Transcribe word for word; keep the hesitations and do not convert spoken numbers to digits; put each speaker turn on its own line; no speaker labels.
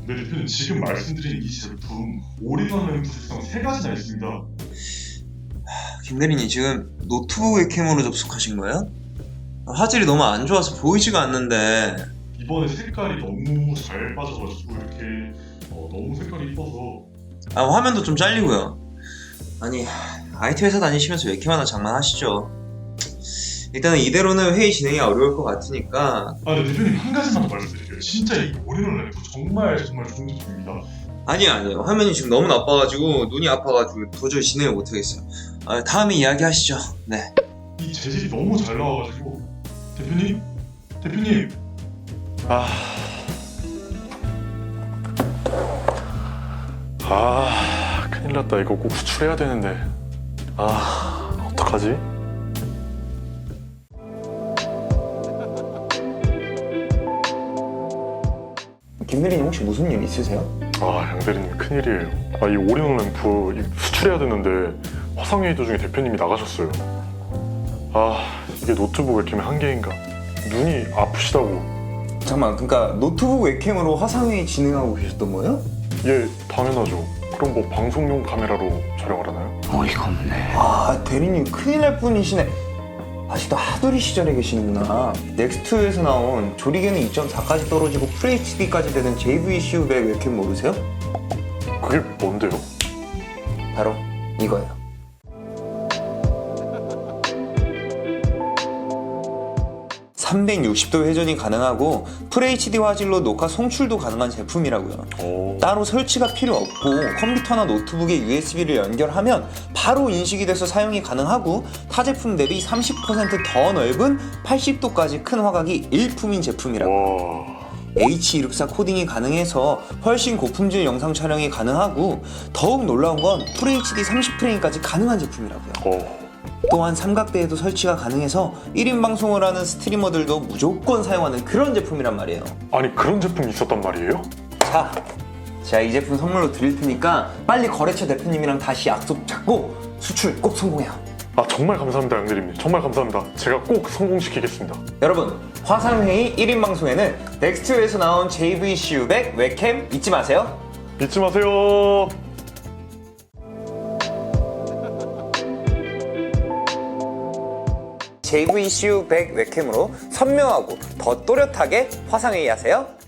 네, 대표님 지금 말씀드린 이 제품 올인원 램프 특성 세 가지나 있습니다.
김 대리님 지금 노트북 웹캠으로 접속하신 거예요? 화질이 너무 안 좋아서 보이지가 않는데.
이번에 색깔이 너무 잘 빠져가지고 이렇게 어, 너무 색깔이 이뻐서.
아, 화면도 좀 잘리고요. 아니, 아이티 회사 다니시면서 웹캠 하나 장만하시죠. 일단은 이대로는 회의 진행이 어려울 것 같으니까.
아, 네, 대표님 한 가지만 더 말씀드릴게요. 진짜 이 올인원 램프 정말 정말 좋은 제품입니다.
아니요 아니요, 화면이 지금 너무 나빠가지고 눈이 아파가지고 도저히 진행을 못하겠어요. 아, 다음에 이야기하시죠. 네.
이 재질이 너무 잘 나와가지고. 대표님? 대표님!
아, 아, 큰일 났다. 이거 꼭 수출해야 되는데. 아, 어떡하지?
김 대리님 혹시 무슨 일 있으세요?
아, 양 대리님 큰일이에요. 아, 이 올인원 램프 이 수출해야 되는데 화상회의 도중에 대표님이 나가셨어요. 아, 이게 노트북 웹캠의 한계인가? 눈이 아프시다고.
잠깐만, 그러니까 노트북 웹캠으로 화상회의 진행하고 계셨던 거예요?
예, 당연하죠. 그럼 뭐 방송용 카메라로 촬영을 하나요?
어이가 없네. 아, 대리님 큰일 날 뿐이시네. 아직도 하두리 시절에 계시는구나. 넥스트에서 나온 조리개는 이 점 사까지 떨어지고 풀에이치디까지 되는 제이브이씨유 백 웹캠 모르세요?
그게 뭔데요?
바로 이거예요. 삼백육십 도 회전이 가능하고 풀에이치디 화질로 녹화 송출도 가능한 제품이라고요.
오.
따로 설치가 필요 없고 컴퓨터나 노트북에 유에스비를 연결하면 바로 인식이 돼서 사용이 가능하고 타 제품 대비 삼십 퍼센트 더 넓은 팔십 도까지 큰 화각이 일품인 제품이라고.
와.
에이치 이백십사 코딩이 가능해서 훨씬 고품질 영상 촬영이 가능하고 더욱 놀라운 건 풀에이치디 삼십 프레임까지 가능한 제품이라고요.
어.
또한 삼각대에도 설치가 가능해서 일 인 방송을 하는 스트리머들도 무조건 사용하는 그런 제품이란 말이에요.
아니, 그런 제품이 있었단 말이에요?
자, 제가 이 제품 선물로 드릴 테니까 빨리 거래처 대표님이랑 다시 약속 잡고 수출 꼭 성공해요.
아, 정말 감사합니다, 양 대리님. 정말 감사합니다. 제가 꼭 성공시키겠습니다.
여러분, 화상회의 일 인 방송에는 넥스트에서 나온 제이브이씨유 백 웹캠 잊지 마세요.
잊지 마세요.
제이브이씨유 백 웹캠으로 선명하고 더 또렷하게 화상회의 하세요.